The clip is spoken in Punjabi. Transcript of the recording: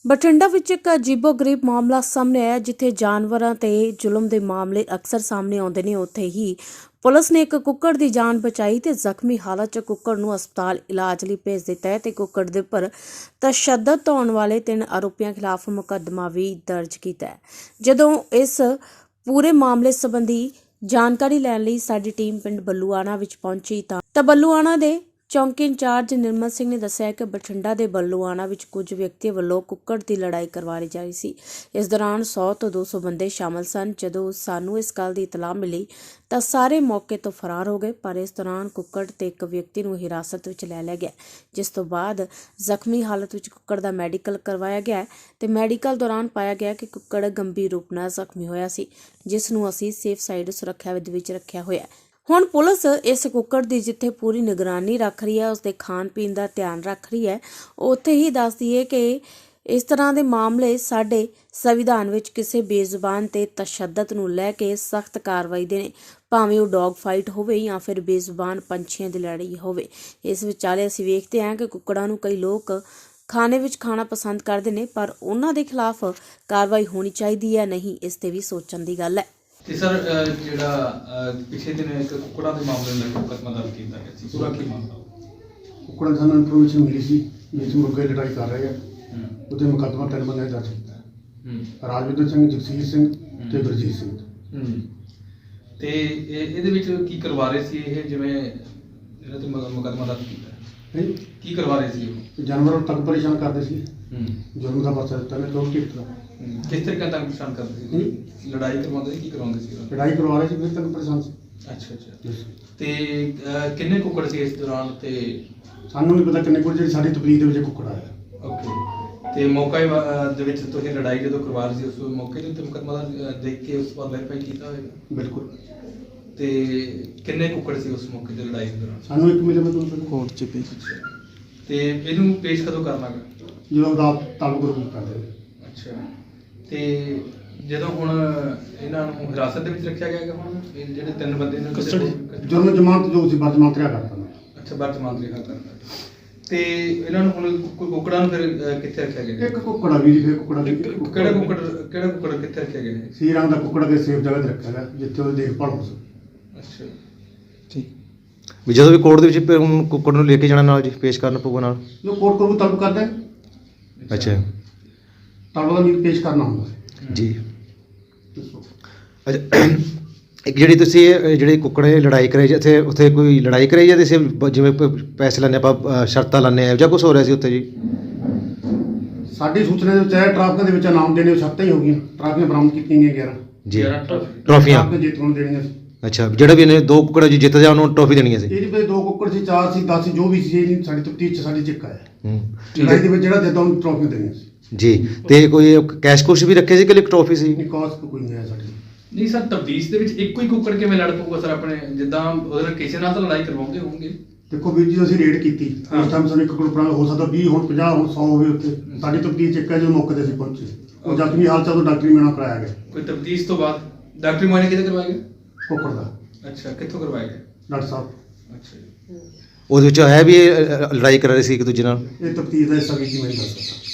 ਬਠਿੰਡਾ ਵਿੱਚ ਇੱਕ ਅਜੀਬੋ-ਗਰੀਬ ਮਾਮਲਾ ਸਾਹਮਣੇ ਆਇਆ ਜਿੱਥੇ ਜਾਨਵਰਾਂ ਤੇ ਜ਼ੁਲਮ ਦੇ ਮਾਮਲੇ ਅਕਸਰ ਸਾਹਮਣੇ ਆਉਂਦੇ ਨੇ। ਉੱਥੇ ਹੀ ਪੁਲਿਸ ਨੇ ਇੱਕ ਕੁੱਕੜ ਦੀ ਜਾਨ ਬਚਾਈ ਤੇ ਜ਼ਖਮੀ ਹਾਲਤ 'ਚ ਕੁੱਕੜ ਨੂੰ ਹਸਪਤਾਲ ਇਲਾਜ ਲਈ ਭੇਜ ਦਿੱਤਾ ਹੈ ਤੇ ਕੁੱਕੜ ਦੇ ਉੱਪਰ ਤਸ਼ੱਦਦ ਢਾਉਣ ਵਾਲੇ 3 ਆਰੋਪੀਆਂ ਖਿਲਾਫ ਮੁਕੱਦਮਾ ਵੀ ਦਰਜ ਕੀਤਾ ਹੈ। ਜਦੋਂ ਇਸ ਪੂਰੇ ਮਾਮਲੇ ਸੰਬੰਧੀ ਜਾਣਕਾਰੀ ਲੈਣ ਲਈ ਸਾਡੀ ਟੀਮ ਪਿੰਡ ਬੱਲੂਆਣਾ ਵਿੱਚ ਪਹੁੰਚੀ ਤਾਂ ਬੱਲੂਆਣਾ ਦੇ ਚੌਂਕੀ ਇੰਚਾਰਜ ਨਿਰਮਲ ਸਿੰਘ ਨੇ ਦੱਸਿਆ ਕਿ ਬਠਿੰਡਾ ਦੇ ਬੱਲੂਆਣਾ ਵਿੱਚ ਕੁਝ ਵਿਅਕਤੀਆਂ ਵੱਲੋਂ ਕੁੱਕੜ ਦੀ ਲੜਾਈ ਕਰਵਾਈ ਜਾ ਰਹੀ ਸੀ। ਇਸ ਦੌਰਾਨ 100 ਤੋਂ 200 ਬੰਦੇ ਸ਼ਾਮਲ ਸਨ। ਜਦੋਂ ਸਾਨੂੰ ਇਸ ਗੱਲ ਦੀ ਇਤਲਾਹ ਮਿਲੀ ਤਾਂ ਸਾਰੇ ਮੌਕੇ ਤੋਂ ਫਰਾਰ ਹੋ ਗਏ, ਪਰ ਇਸ ਦੌਰਾਨ ਕੁੱਕੜ ਤੇ ਇੱਕ ਵਿਅਕਤੀ ਨੂੰ ਹਿਰਾਸਤ ਵਿੱਚ ਲੈ ਲਿਆ ਗਿਆ, ਜਿਸ ਤੋਂ ਬਾਅਦ ਜ਼ਖਮੀ ਹਾਲਤ ਵਿੱਚ ਕੁੱਕੜ ਦਾ ਮੈਡੀਕਲ ਕਰਵਾਇਆ ਗਿਆ ਤੇ ਮੈਡੀਕਲ ਦੌਰਾਨ ਪਾਇਆ ਗਿਆ ਕਿ ਕੁੱਕੜ ਗੰਭੀਰ ਰੂਪ ਨਾਲ ਜ਼ਖਮੀ ਹੋਇਆ ਸੀ, ਜਿਸ ਨੂੰ ਅਸੀਂ ਸੇਫ ਸਾਈਡ ਸੁਰੱਖਿਆ ਵਿਧ ਵਿੱਚ ਰੱਖਿਆ ਹੋਇਆ ਹੈ। ਹੁਣ ਪੁਲਿਸ ਇਸ ਕੁੱਕੜ ਦੀ ਜਿੱਥੇ ਪੂਰੀ ਨਿਗਰਾਨੀ ਰੱਖ ਰਹੀ ਹੈ, ਉਸਦੇ ਖਾਣ ਪੀਣ ਦਾ ਧਿਆਨ ਰੱਖ ਰਹੀ ਹੈ, ਉੱਥੇ ਹੀ ਦੱਸਦੀ ਹੈ ਕਿ ਇਸ ਤਰ੍ਹਾਂ ਦੇ ਮਾਮਲੇ ਸਾਡੇ ਸੰਵਿਧਾਨ ਵਿੱਚ ਕਿਸੇ ਬੇਜ਼ੁਬਾਨ ਤੇ ਤਸ਼ੱਦਦ ਨੂੰ ਲੈ ਕੇ ਸਖਤ ਕਾਰਵਾਈ ਦੇ ਨੇ, ਭਾਵੇਂ ਉਹ ਡੌਗ ਫਾਈਟ ਹੋਵੇ ਜਾਂ ਫਿਰ ਬੇਜ਼ੁਬਾਨ ਪੰਛੀਆਂ ਦੀ ਲੜਾਈ ਹੋਵੇ। ਇਸ ਵਿਚਾਲੇ ਅਸੀਂ ਵੇਖਦੇ ਹਾਂ ਕਿ ਕੁੱਕੜਾਂ ਨੂੰ ਕਈ ਲੋਕ ਖਾਣੇ ਵਿੱਚ ਖਾਣਾ ਪਸੰਦ ਕਰਦੇ ਨੇ, ਪਰ ਉਹਨਾਂ ਦੇ ਖਿਲਾਫ ਕਾਰਵਾਈ ਹੋਣੀ ਚਾਹੀਦੀ ਹੈ ਨਹੀਂ, ਇਸ ਤੇ ਵੀ ਸੋਚਣ ਦੀ ਗੱਲ ਹੈ। ਤੇ ਸਰ ਜਿਹੜਾ ਪਿਛਲੇ ਦਿਨ ਇੱਕ ਕੁੱਕੜਾਂ ਦੇ ਮਾਮਲੇ ਨਾਲ ਮੁਕੱਦਮਾ ਦਰਜ ਕੀਤਾ ਗਿਆ ਸੀ, ਪੂਰਾ ਕੀ ਮਾਮਲਾ? ਕੁੱਕੜਾਂ ਦੀ ਸਾਨੂੰ ਇਨਫੋਰਮੇਸ਼ਨ ਮਿਲੀ ਸੀ ਜਿਸ ਮੁਰਗੇ ਲੜਾਈ ਕਰ ਰਹੇ ਆ, ਉਹਦੇ ਮੁਕੱਦਮਾ 3 ਬੰਦੇ ਦਰਜ ਕੀਤਾ, ਰਾਜਵਿੰਦਰ ਸਿੰਘ, ਜਗਸੀਰ ਸਿੰਘ ਤੇ ਗੁਰਜੀਤ ਸਿੰਘ। ਤੇ ਇਹਦੇ ਵਿੱਚ ਕੀ ਕਰਵਾ ਰਹੇ ਸੀ ਇਹ, ਜਿਵੇਂ ਜਿਹੜਾ ਤੇ ਮੁਕੱਦਮਾ ਦਰਜ ਕੀਤਾ ਕੀ ਕਰਵਾ ਰਹੇ ਸੀ ਉਹ? ਜਾਨਵਰਾਂ ਨੂੰ ਤੰਗ ਪਰੇਸ਼ਾਨ ਕਰਦੇ ਸੀ, ਜ਼ੁਲਮ ਦਾ ਪਾਸਾ ਦਿੱਤਾ ਨੇ ਲੋਕ ਕਿਸ ਤਰ੍ਹਾਂ ਕਿਸ ਤਰੀਕੇ ਤੰਗ ਪਰੇਸ਼ਾਨ ਕਰਦੇ ਸੀ? ਲੜਾਈ ਕਰਵਾਉਂਦੇ ਸੀ, ਕੀ ਕਰਵਾਉਂਦੇ ਸੀ? ਲੜਾਈ ਕਰਵਾ ਰਹੇ ਸੀ, ਫਿਰ ਤੰਗ ਪਰੇਸ਼ਾਨ ਸੀ। ਅੱਛਾ। ਤੇ ਕਿੰਨੇ ਕੁੱਕੜ ਸੀ ਇਸ ਦੌਰਾਨ? ਤੇ ਸਾਨੂੰ ਨਹੀਂ ਪਤਾ ਕਿੰਨੇ ਕੁ, ਜਿਹੜੀ ਸਾਡੀ ਤਬਲੀਗ ਦੇ ਵਿੱਚ ਕੁੱਕੜ ਆਇਆ। ਓਕੇ। ਤੇ ਮੌਕੇ ਦੇ ਵਿੱਚ ਤੁਸੀਂ ਲੜਾਈ ਜਦੋਂ ਕਰਵਾ ਰਹੇ ਸੀ, ਉਸ ਮੌਕੇ ਦੇ ਉੱਤੇ ਮੁਕੱਦਮਾ ਦੇਖ ਕੇ ਉਸ ਬਾਅਦ ਵੈਰੀਫਾਈ ਕੀਤਾ ਹੋਵੇਗਾ? ਬਿਲਕੁਲ। ਤੇ ਕਿੰਨੇ ਕੁੱਕੜ ਸੀ ਉਸ ਮੌਕੇ ਤੇ ਲੜਾਈ ਦੇ ਦੌਰਾਨ? ਸਾਨੂੰ ਇੱਕ ਮਿਲੇ ਮਤਲਬ ਕੋਰਟ 'ਚ ਪੇਸ਼। ਤੇ ਇਹਨੂੰ ਪੇਸ਼ ਕਦੋਂ ਕਰਨਾ ਗਾ? ਜਦੋਂ ਰਾਤ ਤਾਲੁਕ ਰੂਪ ਕਰਦੇ। ਅੱਛਾ। ਤੇ ਜਦੋਂ ਹੁਣ ਇਹਨਾਂ ਨੂੰ ਹਿਰਾਸਤ ਦੇ ਵਿੱਚ ਰੱਖਿਆ ਗਿਆ ਹੈਗਾ, ਹੁਣ ਇਹ ਜਿਹੜੇ 3 ਬੰਦੇ ਨੇ ਜੁਰਮ ਜ਼ਮਾਨਤ ਜੋ ਸੀ ਬਰਜ਼ਮਾਨਤ ਰਿਹਾ ਕਰਤਾ। ਅੱਛਾ, ਬਰਜ਼ਮਾਨਤ ਰਿਹਾ ਕਰਤਾ। ਤੇ ਇਹਨਾਂ ਨੂੰ ਹੁਣ ਕੁੱਕੜਾਂ ਨੂੰ ਫਿਰ ਕਿੱਥੇ ਰੱਖਿਆ ਗਿਆ? ਇੱਕ ਕੁੱਕੜਾ ਵੀ ਫਿਰ ਕੁੱਕੜਾ ਕਿਹੜਾ ਕੁੱਕੜ ਕਿੱਥੇ ਰੱਖਿਆ ਗਿਆ ਹੈ? ਸੀ ਰੰਗ ਦਾ ਕੁੱਕੜਾ ਕੇ ਸੇਫ ਜਗ੍ਹਾ ਤੇ ਰੱਖਿਆ ਗਿਆ ਜਿੱਥੇ ਉਹਦੀ ਦੇਖਭਾਲ ਹੋ ਸਕੇ। ਅੱਛਾ ਠੀਕ। ਵੀ ਜਦੋਂ ਵੀ ਕੋਰਟ ਦੇ ਵਿੱਚ ਹੁਣ ਕੁੱਕੜ ਨੂੰ ਲੈ ਕੇ ਜਾਣਾ ਨਾਲ ਜੀ, ਪੇਸ਼ ਕਰਨਾ ਪਊਗਾ ਨਾਲ? ਜੋ ਕੋਰਟ ਕੋਲ ਤਲਬ ਕਰਦੇ ਅੱਛਾ, ਤਲਬ ਦਾ ਵੀ ਪੇਸ਼ ਕਰਨਾ ਹੁੰਦਾ ਜੀ। ਅੱਛਾ, ਇੱਕ ਜਿਹੜੀ ਤੁਸੀਂ ਜਿਹੜੇ ਕੁੱਕੜੇ ਲੜਾਈ ਕਰਾਈ ਜਾਂ ਉੱਥੇ ਕੋਈ ਲੜਾਈ ਕਰਾਈ ਜਾਂ ਤੁਸੀਂ ਜਿਵੇਂ ਪੈਸੇ ਲੈਂਦੇ ਆਪਾਂ, ਸ਼ਰਤਾਂ ਲੈਂਦੇ ਆ ਜਾਂ ਕੁਛ ਹੋ ਰਿਹਾ ਸੀ ਉੱਥੇ ਜੀ? ਸਾਡੀ ਸੂਚਨਾ ਦੇ ਵਿੱਚ ਹੈ ਟਰਾਫੀਆਂ ਦੇ ਵਿੱਚ ਇਨਾਮ ਦੇਣੇ ਸ਼ਰਤਾਂ ਹੀ ਹੋ ਗਈਆਂ। ਟਰਾਫੀਆਂ ਬਰਾਮਦ ਕੀਤੀਆਂ ਗਈਆਂ 11 ਜੀ, 11 ਟਰਾਫੀਆਂ ਜੇਤੂ ਨੂੰ ਦੇਣੀਆਂ ਸੀ। ਅੱਛਾ, ਜਿਹੜਾ ਵੀ ਇਹਨੇ 2 ਕੁੱਕੜ ਜੀ ਜਿੱਤ ਜਾ ਉਹਨੂੰ ਟਰਾਫੀ ਦੇਣੀ ਸੀ? ਇਹਦੇ ਵਿੱਚ 2 ਕੁੱਕੜ ਸੀ, 4 ਸੀ, 10 ਸੀ, ਜੋ ਵੀ ਸੀ, ਇਹ ਸਾਡੀ ਤਫਤੀਸ਼ 'ਚ ਸਾਡੀ ਚਿੱਕ ਆਇਆ। ਲੜਾਈ ਦੇ ਵਿੱਚ ਜਿਹੜਾ ਜਿੱਦਾਂ ਉਹਨੂੰ ਟਰਾਫੀਆਂ ਦੇਣੀਆਂ ਸੀ ਜੀ। ਤੇ ਕੋਈ ਕੈਸ਼ ਕੁਸ਼ ਵੀ ਰੱਖੇ ਸੀ ਕਿ ਇੱਕ ਟਰਾਫੀ ਸੀ? ਨਹੀਂ, ਕਾਸ ਕੋਈ ਨਹੀਂ ਆਇਆ ਸਾਡੀ। ਨਹੀਂ ਸਰ, ਤਬਦੀਸ਼ ਦੇ ਵਿੱਚ ਇੱਕੋ ਹੀ ਕੁੱਕੜ ਕਿਵੇਂ ਲੜ ਪਊਗਾ ਸਰ? ਆਪਣੇ ਜਿੱਦਾਂ ਉਹਦੇ ਨਾਲ ਕਿਸੇ ਨਾਲ ਤਾਂ ਲੜਾਈ ਕਰਵਾਉਂਦੇ ਹੋਣਗੇ। ਦੇਖੋ ਵੀਰ ਜੀ, ਅਸੀਂ ਰੇਡ ਕੀਤੀ ਉਸ ਟਾਈਮ ਸਾਨੂੰ 1 ਕੁੱਕੜ ਹੋ ਸਕਦਾ 20 ਹੁਣ 50 ਹੁਣ 100 ਹੋਵੇ। ਉੱਥੇ ਸਾਡੀ ਤਬਦੀਸ਼ ਚਿੱਕ ਹੈ ਜਦੋਂ ਮੌਕੇ ਤੇ ਅਸੀਂ ਪਹੁੰਚੇ। ਉਹ ਜ਼ਖਮੀ ਹਾਲਤ 'ਚ ਉਦੋਂ ਡਾਕਟਰੀ ਮੁਆਇਨਾ ਕਰਾਇਆ ਗਿਆ। ਕੋਈ ਤਬਦੀਸ਼ ਤੋਂ ਬਾਅਦ ਡਾਕਟਰੀ ਮੁਆਇਨਾ ਕਿਤੇ ਕਰਵਾਇਆ ਗਿਆ? ਕੁੱਕੜ ਦਾ। ਅੱਛਾ, ਕਿੱਥੋਂ ਕਰਵਾਇਆ ਗਿਆ? ਡਾਕਟਰ ਸਾਹਿਬ। ਅੱਛਾ ਜੀ। ਉਹਦੇ ਵਿੱਚ ਹੈ ਵੀ ਇਹ ਲੜਾਈ ਕਰ ਰਹੇ ਸੀ ਇੱਕ ਦੂਜੇ ਨਾਲ? ਇਹ ਤਫਤੀਸ਼ ਦਾ ਹਿੱਸਾ ਵੀ ਜੀ ਮੈਂ ਦੱਸ ਸਕਦਾ।